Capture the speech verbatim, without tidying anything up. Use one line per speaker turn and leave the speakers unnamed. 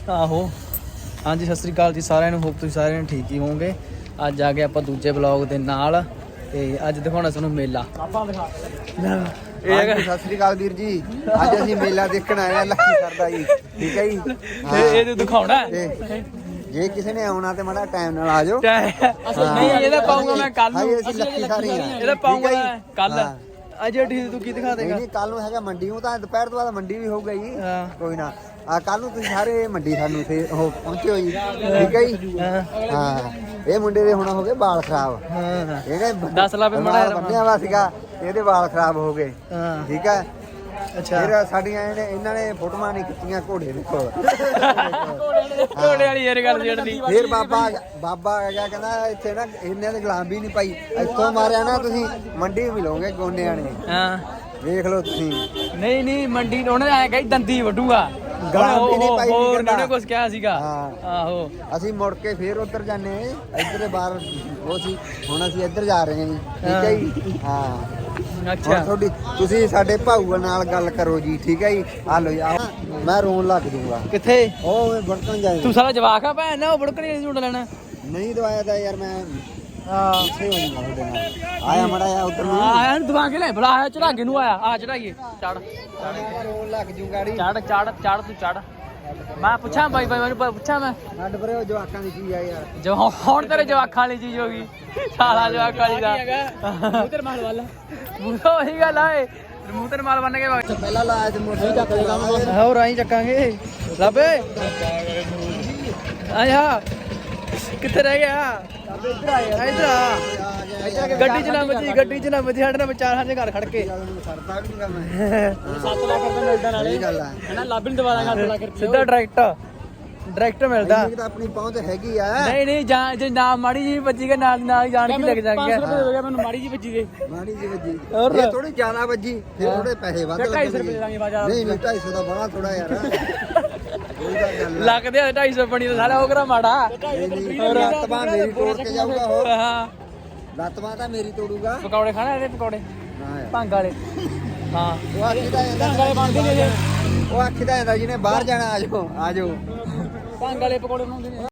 ਆਹੋ ਹਾਂਜੀ ਸਤਿ ਸ੍ਰੀ ਅਕਾਲ ਜੀ ਸਾਰਿਆਂ ਨੂੰ। ਹੋਪ ਤੁਸੀਂ ਸਾਰਿਆਂ ਨੂੰ ਠੀਕ ਹੀ ਹੋਵੋਗੇ। ਅੱਜ ਆ ਗਏ ਆਪਾਂ ਦੂਜੇ ਬਲੌਗ ਦੇ ਨਾਲ ਤੇ ਅੱਜ ਦਿਖਾਉਣਾ ਤੁਹਾਨੂੰ ਮੇਲਾ। ਆਪਾਂ ਦਿਖਾ
ਇਹ ਹੈਗਾ ਸਤਿ ਸ੍ਰੀ ਅਕਾਲ ਵੀਰ ਜੀ। ਅੱਜ ਅਸੀਂ ਮੇਲਾ ਦੇਖਣ ਆਏ ਆ ਲੱਕੀ ਸਰ ਦਾ ਜੀ। ਠੀਕ ਹੈ ਜੀ।
ਇਹ ਇਹ ਦਿਖਾਉਣਾ
ਜੇ ਕਿਸੇ ਨੇ ਆਉਣਾ ਤੇ ਮਾੜਾ ਟਾਈਮ ਨਾਲ ਆ ਜਾਓ।
ਨਹੀਂ ਇਹਦਾ ਪਾਉਂਗਾ ਮੈਂ ਕੱਲ ਨੂੰ।
ਅਸੀਂ ਲੱਕੀ ਸਾਰੇ ਆ।
ਇਹਦਾ ਪਾਉਂਗਾ ਕੱਲ। ਅੱਜ ਠੀਕ ਤੂੰ ਕੀ ਦਿਖਾ ਦੇਗਾ?
ਨਹੀਂ ਕੱਲ ਨੂੰ ਹੈਗਾ ਮੰਡੀ ਨੂੰ, ਤਾਂ ਦੁਪਹਿਰ ਤੋਂ ਬਾਅਦ ਮੰਡੀ ਵੀ ਹੋਊਗਾ ਜੀ। ਕੋਈ ਨਾ ਆ ਕੱਲ ਨੂੰ ਤੁਸੀਂ ਸਾਰੇ ਮੰਡੀ ਸਾਨੂੰ ਤੇ ਉਹ ਪਹੁੰਚਿਓ ਜੀ। ਠੀਕ ਹੈ ਜੀ। ਹਾਂ ਇਹ ਮੁੰਡੇ ਦੇ ਹੁਣ ਹੋ ਗਏ ਵਾਲ ਖਰਾਬ। ਇਹਨੇ
ਦਸ ਲਾ ਪੇ ਮੜਾ
ਬੰਨਿਆ ਵਾ ਸੀਗਾ, ਇਹਦੇ ਵਾਲ ਖਰਾਬ ਹੋ ਗਏ। ਠੀਕ ਹੈ।
ਅੱਛਾ
ਫਿਰ ਸਾਡੀਆਂ ਇਹਨੇ ਇਹਨਾਂ ਨੇ ਫੋਟੋਆਂ ਨਹੀਂ ਖਿੱਚੀਆਂ ਘੋੜੇ ਦੇ ਕੋਲ।
ਘੋੜੇ ਵਾਲੀ ਯਾਰ ਗੱਲ ਜਿਹੜੀ
ਫਿਰ ਬਾਬਾ ਬਾਬਾ ਆ ਗਿਆ, ਕਹਿੰਦਾ ਇੱਥੇ ਨਾ ਇਹਨਾਂ ਦੇ ਗੁਲਾਮ ਵੀ ਨਹੀਂ ਪਾਈ, ਇੱਥੋਂ ਮਾਰਿਆ ਨਾ ਤੁਸੀਂ ਮੰਡੀ ਮਿਲੋਗੇ ਗੋਨਿਆਂ ਨੇ।
ਹਾਂ
ਵੇਖ ਲਓ ਤੁਸੀਂ।
ਨਹੀਂ ਨਹੀਂ ਮੰਡੀ ਉਹਨੇ ਐ ਕਹੀ ਦੰਦੀ ਵੱਢੂਗਾ।
ਗੁਲਾਮ ਵੀ ਨਹੀਂ ਪਾਈ।
ਹੋਰ ਉਹਨੇ ਕੁਝ ਕਿਹਾ ਸੀਗਾ। ਆਹੋ
ਅਸੀਂ ਮੁੜ ਕੇ ਫੇਰ ਉੱਧਰ ਜਾਂਦੇ ਇੱਧਰ ਬਾਹਰ ਉਹ ਸੀ, ਹੁਣ ਅਸੀਂ ਇੱਧਰ ਜਾ ਰਹੇ ਹਾਂ ਜੀ। ਠੀਕ ਹੈ ਜੀ। ਹਾਂ
ਅੱਛਾ
ਤੁਹਾਡੀ ਤੁਸੀਂ ਸਾਡੇ ਭਾਊ ਨਾਲ ਗੱਲ ਕਰੋ ਜੀ। ਠੀਕ ਹੈ ਜੀ। ਆ ਲਓ ਜੀ ਮੈਂ ਰੋਣ ਲੱਗ ਜੂਗਾ।
ਕਿੱਥੇ
ਉਹ ਬੜਕਣ ਜਾਏ।
ਤੂੰ ਸਾਰਾ ਜਵਾਕ ਆ ਭੈਣ ਨਾ ਉਹ ਬੜਕਣੀ ਨਹੀਂ ਝੂਟ ਲੈਣਾ।
ਨਹੀਂ ਦਵਾਇਆ ਤਾਂ ਯਾਰ ਮੈਂ
ਹਾਂ
ਪਿੱਛੇ ਹੋ ਜਾਊਗਾ ਤੁਹਾਡੇ ਨਾਲ। ਆਇਆ ਮੜਾ ਆ ਉੱਧਰ ਨੂੰ।
ਆਇਆ ਦਵਾ ਕੇ ਲੈ ਬਲਾ ਆਇਆ ਚੜਾਗੇ ਨੂੰ ਆਇਆ ਆ ਚੜਾਈਏ ਚੜ
ਰੋਣ ਲੱਗ ਜੂ ਗਾੜੀ।
ਚੜ ਚੜ ਚੜ ਤੂੰ ਚੜ। ਮੈਂ ਪੁੱਛਾਂ ਬਾਈ ਬਾਈ ਮੈਨੂੰ ਪੁੱਛਾਂ ਮੈਂ
ਛੱਡ ਪਰੇ ਉਹ ਜਵਾਕਾਂ ਦੀ ਚੀਜ਼ ਆ ਯਾਰ।
ਜੋ ਹੁਣ ਤੇਰੇ ਜਵਾਕਾਂ ਵਾਲੀ ਚੀਜ਼ ਹੋ ਗਈ। ਸਾਲਾ ਜਵਾਕਾਂ ਵਾਲੀ ਦਾ ਮੂੰਹ ਤੇ ਮਾਲ ਵਾਲਾ ਮੂੰਹ ਉਹੀ ਗੱਲ ਆਏ ਮੂੰਹ ਤੇ ਮਾਲ ਬੰਨ ਕੇ
ਪਹਿਲਾਂ ਲਾਇਆ ਤੇ ਮੋਟਰ ਚੱਕ ਦੇ ਕੰਮ।
ਹੋਰ ਆਈ ਚੱਕਾਂਗੇ ਲੱਭੇ ਆਇਆ ਕਿੱਥੇ ਰਹਿ ਗਿਆ? ਇੱਧਰ ਆ ਇੱਧਰ ਆ ਗੱਡੀ ਚ ਨਾ ਵੱਜੀ ਗੱਡੀ ਚ ਨਾ ਵੱਜੀ ਸਾਡੇ ਨਾਲ ਚਾਰ ਸਾਡੇ ਘਰ ਖੜ ਕੇ
ਸਰਦਾ ਵੀ ਨਹੀਂ ਕੰਮ।
ਸੱਤ ਲੱਖ ਰੁਪਏ ਮਿਲਦਾ ਨਾਲੇ
ਇਹ ਗੱਲ ਆ
ਹਨਾ ਲੱਭ ਨਹੀਂ ਦਵਾ ਦਾਂਗਾ ਅੱਠ ਲੱਖ ਰੁਪਏ ਸਿੱਧਾ ਡਾਇਰੈਕਟ ਡਾਇਰੈਕਟ ਮਿਲਦਾ।
ਇਹ ਤਾਂ ਆਪਣੀ ਪਹੁੰਚ ਹੈਗੀ ਆ।
ਨਹੀਂ ਨਹੀਂ ਜਾਂ ਜੇ ਨਾ ਮਾੜੀ ਜੀ ਵੱਜੀ ਕੇ ਨਾਲ ਨਾਲ ਜਾਣ ਕੇ ਲੱਗ ਜਾਣਗੇ। ਪੰਜ ਸੌ ਰੁਪਏ ਹੋ ਗਿਆ ਮੈਨੂੰ ਮਾੜੀ ਜੀ ਵੱਜੀ ਦੇ।
ਮਾੜੀ ਜੀ ਵੱਜੀ ਇਹ ਥੋੜੀ ਜ਼ਿਆਦਾ ਵੱਜੀ ਫਿਰ ਥੋੜੇ ਪੈਸੇ ਵੱਧ ਲੱਗਣਗੇ।
ਢਾਈ ਸੌ ਰੁਪਏ ਦੇ ਦਾਂਗੇ ਬਾਜ਼ਾਰ।
ਨਹੀਂ ਨਹੀਂ ਢਾਈ ਸੌ ਦਾ ਬੜਾ ਥੋੜਾ ਯਾਰ।
ਲੱਗਦੇ ਆ ਢਾਈ ਸੌ ਬਣੀ ਤਾਂ ਸਾਲਾ ਉਹ ਕਰਾ ਮਾੜਾ।
ਲੱਤ ਬਾਂਹ ਮੇਰੀ ਤੋੜ ਕੇ ਜਾਊਗਾ। ਹੋਰ
ਹਾਂ
ਲੱਤ ਬਾਂਹ ਤਾਂ ਮੇਰੀ ਤੋੜੂਗਾ।
ਪਕੌੜੇ ਖਾਣਾ ਇਹਦੇ ਪਕੌੜੇ ਭੰਗ ਵਾਲੇ। ਹਾਂ
ਉਹ ਆਖੀਦਾ ਜਾਂਦਾ
ਭੰਗ ਵਾਲੇ ਬਣਦੇ ਨੇ ਜੇ
ਉਹ ਆਖੀਦਾ ਜਾਂਦਾ ਜਿਹਨੇ ਬਾਹਰ ਜਾਣਾ ਆ ਜਾਓ ਆ ਜਾਓ।
ਭੰਗ ਵਾਲੇ ਪਕੌੜੇ ਬਣਾਉਂਦੇ ਨੇ।